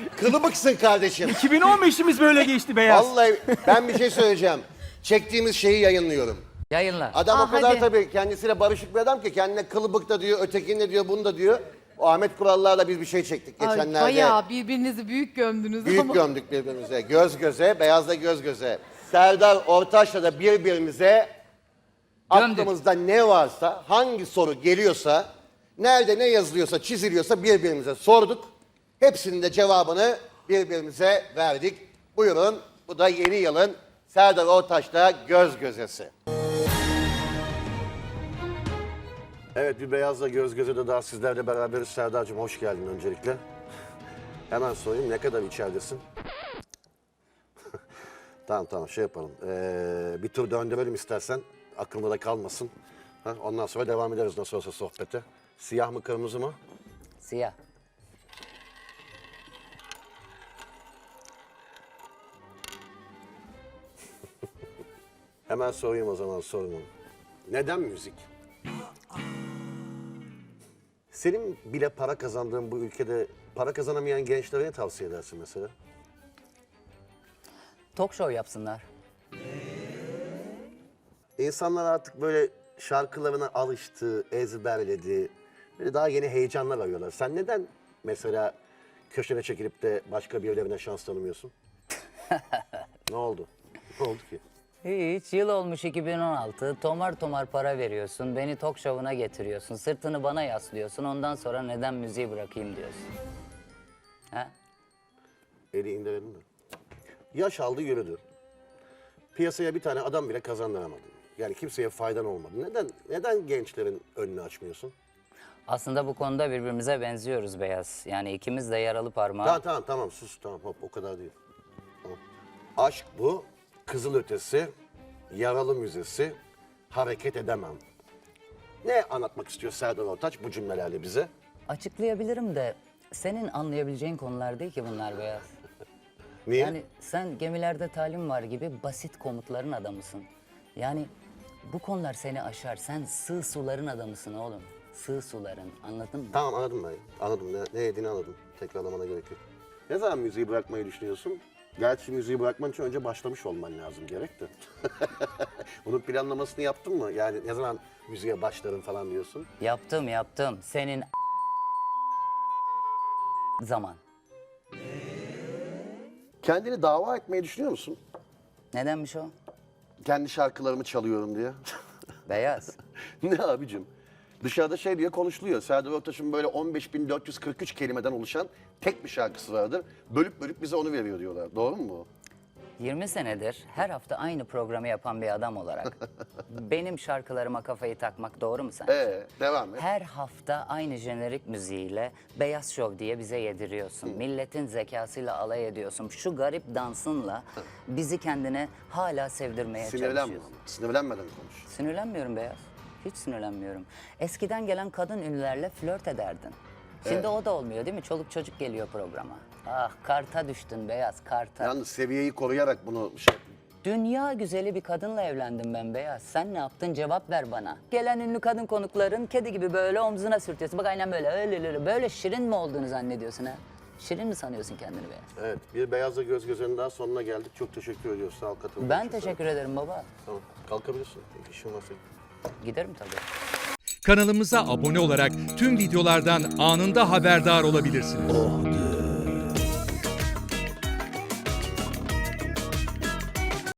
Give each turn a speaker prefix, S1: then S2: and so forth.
S1: Kılıbıksın kardeşim.
S2: 2015'imiz böyle geçti Beyaz.
S1: Vallahi ben bir şey söyleyeceğim. Çektiğimiz şeyi yayınlıyorum.
S3: Yayınla.
S1: Adam o kadar
S4: hadi.
S1: tabii kendisiyle barışık bir adam ki kendine kılıbık da diyor, ötekini de diyor, bunu da diyor. O Ahmet Kurallar'la biz bir şey çektik
S4: Ay,
S1: geçenlerde.
S4: bayağı birbirinizi büyük gömdünüz
S1: Büyük
S4: ama.
S1: gömdük birbirimize. Göz göze, Beyaz'la göz göze. Serdar Ortaç'la da birbirimize
S3: Gömdük.
S1: aklımızda ne varsa, hangi soru geliyorsa, nerede ne yazılıyorsa, çiziliyorsa birbirimize sorduk. Hepsinin de cevabını birbirimize verdik. Buyurun, bu da yeni yılın Serdar Ortaç'la göz gözesi. Evet, bir Beyaz'la göz göze de daha sizlerle beraberiz. Serdar'cığım hoş geldin öncelikle. Hemen sorayım, ne kadar içeridesin? Tamam şey yapalım. Bir tur döndürelim istersen. Aklında da kalmasın. Ha, ondan sonra devam ederiz nasıl olsa sohbete. Siyah mı kırmızı mı?
S3: Siyah.
S1: Hemen sorayım o zaman sorumu. Neden müzik? Senin bile para kazandığın bu ülkede para kazanamayan gençlere ne tavsiye edersin mesela?
S3: Talk show yapsınlar.
S1: İnsanlar artık böyle şarkılarına alıştı, ezberledi. Böyle daha yeni heyecanlar arıyorlar. Sen neden mesela köşene çekilip de başka birilerine şans tanımıyorsun? Ne oldu? Ne oldu ki?
S3: Hiç, yıl olmuş 2016. Tomar tomar para veriyorsun. Beni talk show'una getiriyorsun. Sırtını bana yaslıyorsun. Ondan sonra neden müziği bırakayım diyorsun. Ha?
S1: Eli indirelim mi? Yaş aldı yürüdü. Piyasaya bir tane adam bile kazandıramadın. Yani kimseye faydan olmadı. Neden gençlerin önünü açmıyorsun?
S3: Aslında bu konuda birbirimize benziyoruz Beyaz. Yani ikimiz de yaralı parmağı.
S1: Tamam sus tamam hop o kadar değil. Tamam. Aşk bu, kızılötesi, yaralı müzesi, hareket edemem. Ne anlatmak istiyor Serdar Ortaç bu cümlelerle bize?
S3: Açıklayabilirim de senin anlayabileceğin konular değil ki bunlar Beyaz.
S1: Niye?
S3: Yani sen gemilerde talim var gibi basit komutların adamısın. Yani bu konular seni aşar. Sen sığ suların adamısın oğlum. Sığ suların, anladın mı?
S1: Tamam anladım ben. Anladım ne dediğini anladım. Tekrarlamana gerek yok. Ne zaman müziği bırakmayı düşünüyorsun? Gerçi müziği bırakman için önce başlamış olman lazım gerek de. Bunun planlamasını yaptın mı? Yani ne zaman müziğe başlarım falan diyorsun?
S3: Yaptım. Senin zaman.
S1: Kendini dava etmeyi düşünüyor musun?
S3: Nedenmiş o?
S1: Kendi şarkılarımı çalıyorum diye.
S3: Beyaz.
S1: Ne abicim? Dışarıda şey diye konuşuluyor. Serdar Ortaç'ın böyle 15.443 kelimeden oluşan tek bir şarkısı vardır. Bölüp bölüp bize onu veriyor diyorlar. Doğru mu bu?
S3: 20 senedir her hafta aynı programı yapan bir adam olarak benim şarkılarıma kafayı takmak doğru mu sence?
S1: Devam et.
S3: Her hafta aynı jenerik müziğiyle Beyaz Şov diye bize yediriyorsun. Milletin zekasıyla alay ediyorsun. Şu garip dansınla bizi kendine hala sevdirmeye çalışıyorsun.
S1: Sinirlenmeden konuş.
S3: Sinirlenmiyorum Beyaz. Hiç sinirlenmiyorum. Eskiden gelen kadın ünlülerle flört ederdin. Şimdi o da olmuyor değil mi? Çoluk çocuk geliyor programa. Ah karta düştün Beyaz, karta.
S1: Yalnız seviyeyi koruyarak bunu şey...
S3: Dünya güzeli bir kadınla evlendim ben Beyaz. Sen ne yaptın? Cevap ver bana. Gelen ünlü kadın konukların kedi gibi böyle omzuna sürtüyorsun. Bak aynen böyle öyle böyle şirin mi olduğunu zannediyorsun ha? Şirin mi sanıyorsun kendini Beyaz?
S1: Evet, bir Beyazla Göz Göze'nin daha sonuna geldik. Çok teşekkür ediyoruz. Sağ ol katıldığın
S3: Ben
S1: için.
S3: teşekkür ederim baba.
S1: Tamam, kalkabilirsin. İşin varsa.
S3: Giderim tabii.
S5: Kanalımıza abone olarak tüm videolardan anında haberdar olabilirsiniz.